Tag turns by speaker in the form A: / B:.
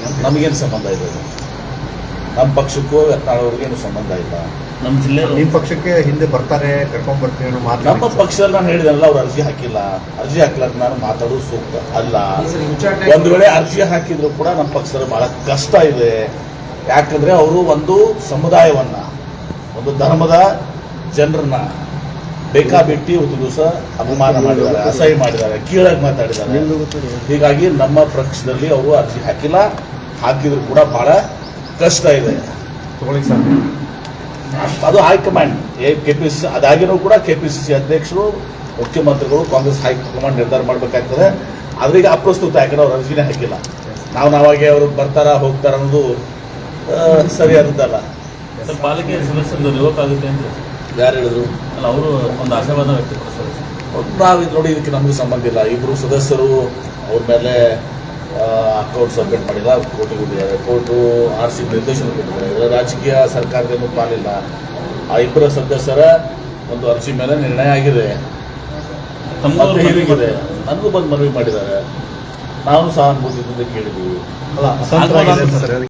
A: ನಮಗೇನು ಸಂಬಂಧ ಇದೆ? ನಮ್ಮ ಪಕ್ಷಕ್ಕೂ ಯತ್ನಾಳ್ ಅವ್ರಿಗೇನು ಸಂಬಂಧ ಇಲ್ಲ.
B: ನಮ್ಮ ಜಿಲ್ಲೆ
C: ನಿಮ್ಮ ಪಕ್ಷಕ್ಕೆ ಹಿಂದೆ ಬರ್ತಾರೆ, ಕರ್ಕೊಂಡ್ ಬರ್ತೀವಿ ಅನ್ನೋ ಮಾತು
A: ನಮ್ಮ ಪಕ್ಷದಲ್ಲಿ ನಾನು ಹೇಳಿದೆನಲ್ಲ, ಅವ್ರು ಅರ್ಜಿ ಹಾಕಿಲ್ಲ. ಅರ್ಜಿ ಹಾಕ್ಲಾರ್ದು ನಾನು ಮಾತಾಡೋದು ಸೂಕ್ತ ಅಲ್ಲ. ಒಂದು ವೇಳೆ ಅರ್ಜಿ ಹಾಕಿದ್ರು ಕೂಡ ನಮ್ಮ ಪಕ್ಷದಲ್ಲಿ ಬಹಳ ಕಷ್ಟ ಇದೆ. ಯಾಕಂದ್ರೆ ಅವರು ಒಂದು ಸಮುದಾಯವನ್ನ, ಒಂದು ಧರ್ಮದ ಜನರನ್ನ ಬೇಕಾಬಿಟ್ಟಿ ಒಂದು ದಿವಸ ಅಪಮಾನ ಮಾಡಿದ್ದಾರೆ, ಅಸಹ್ಯ ಮಾಡಿದ್ದಾರೆ, ಕೀಳಾಗಿ ಮಾತಾಡಿದ್ದಾರೆ. ಹೀಗಾಗಿ ನಮ್ಮ ಪಕ್ಷದಲ್ಲಿ ಅವರು ಅರ್ಜಿ ಹಾಕಿಲ್ಲ. ಹಾಕಿದ್ರು ಕೂಡ ಬಹಳ ಕಷ್ಟ ಇದೆ.
C: ತಗೊಳ್ಳಿ ಸರ್,
A: ಅದು ಹೈಕಮಾಂಡ್ ಕೆಪಿಸಿಸಿ, ಅದಾಗಿನೂ ಕೂಡ ಕೆಪಿಸಿಸಿ ಅಧ್ಯಕ್ಷರು, ಮುಖ್ಯಮಂತ್ರಿಗಳು, ಕಾಂಗ್ರೆಸ್ ಹೈಕಮಾಂಡ್ ನಿರ್ಧಾರ ಮಾಡಬೇಕಾಗ್ತದೆ. ಆದ್ರೆ ಈಗ ಅಪ್ರಸ್ತುತ, ಯಾಕಂದ್ರೆ ಅವ್ರು ಅರ್ಜಿನೇ ಹಾಕಿಲ್ಲ. ನಾವಾಗೆ ಅವರು ಬರ್ತಾರ ಹೋಗ್ತಾರ ಅನ್ನೋದು ಸರಿಯಾದದ್ದಲ್ಲ.
B: ಪಾಲಿಕೆ ಸದಸ್ಯರು ರಿವೋಕ್ ಆಗುತ್ತೆ ಅಂತ
A: ಯಾರು ಹೇಳಿದ್ರು?
B: ಅಲ್ಲ, ಅವರು ಒಂದು ಆಶಾವಾದ ವ್ಯಕ್ತಪಡಿಸ್ತಾರೆ.
A: ನಾವು ನೋಡಿ, ಇದಕ್ಕೆ ನಮಗೆ ಸಂಬಂಧ ಇಲ್ಲ. ಇಬ್ಬರು ಸದಸ್ಯರು ಅವ್ರ ಮೇಲೆ ಅಕೌಂಟ್ ಸಬ್ಮಿಟ್ ಮಾಡಿಲ್ಲ, ಕೋರ್ಟಿಗೆ ಹೋಗಿದ್ದಾರೆ. ಕೋರ್ಟು RC ನಿರ್ದೇಶನ ಕೊಟ್ಟಿದ್ದಾರೆ. ಇದರ ರಾಜಕೀಯ ಸರ್ಕಾರದೇನು ಪಾಲಿಲ್ಲ. ಆ ಇಬ್ಬರ ಸದಸ್ಯರ ಒಂದು ಅರ್ಜಿ ಮೇಲೆ ನಿರ್ಣಯ ಆಗಿದೆ. ಹೀಗಿದೆ. ನನಗೂ ಬಂದು ಮನವಿ ಮಾಡಿದ್ದಾರೆ. ನಾವು ಸಹಾನುಭೂತಿಯಿಂದ ಕೇಳಿದ್ದೀವಿ.
C: ಅಲ್ಲ, ಅಸಂತೃಪ್ತರಾಗಿದ್ದಾರೆ ಸರ್.